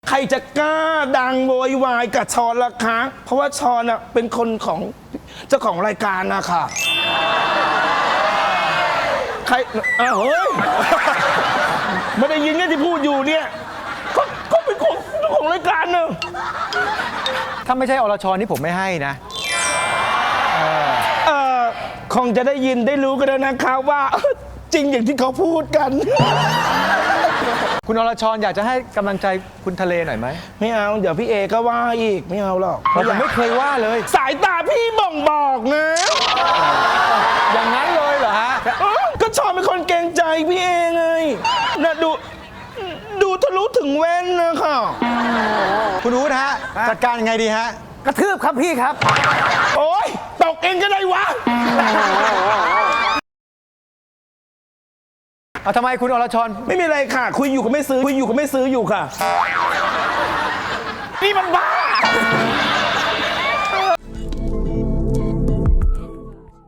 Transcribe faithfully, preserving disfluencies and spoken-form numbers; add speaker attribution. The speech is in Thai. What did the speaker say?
Speaker 1: ใครจะกล้าดังโวยวายกับชอนล่ะคะเพราะว่าชอนอ่ะเป็นคนของเจ้าของรายการนะค่ะใครอ้าวเฮ้ยไม่ได้ยินเนี่ยที่พูดอยู่เนี่ยก็ก็เป็นของเจ้าของรายการเนอะ
Speaker 2: ถ้าไม่ใช่อรชรนี่ผมไม่ให้นะ
Speaker 1: เออคงจะได้ยินได้รู้กันแล้วนะคะว่าจริงอย่างที่เขาพูดกัน
Speaker 2: คุณอรชรอยากจะให้กำลังใจคุณทะเลหน่อยไหม
Speaker 1: ไม่เอาเดี๋ยวพี่เอก็ว่าอีกไม่เอาหรอก
Speaker 2: ผมไม่เคยว่าเลย
Speaker 1: สายตาพี่บ่งบอกนะ
Speaker 2: อย่างนั้นเลยเหรอฮะ
Speaker 1: ก็ชอบเป็นคนเกรงใจพี่เอไงนะดูดูทะลุถึงแว่นนะค่ะ
Speaker 2: คุณอู๊ดฮะจัดการยังไงดีฮะ
Speaker 3: กระทืบครับพี่ครับ
Speaker 1: โอ๊ยตกเองก็ได้วะ
Speaker 2: เอาทำไมคุณอรชร
Speaker 1: ไม่มีอะไรค่ะคุยอยู่ก็ไม่ซื้อคุยอยู่ก็ไม่ซื้ออยู่ค่ะนี่มันบ้า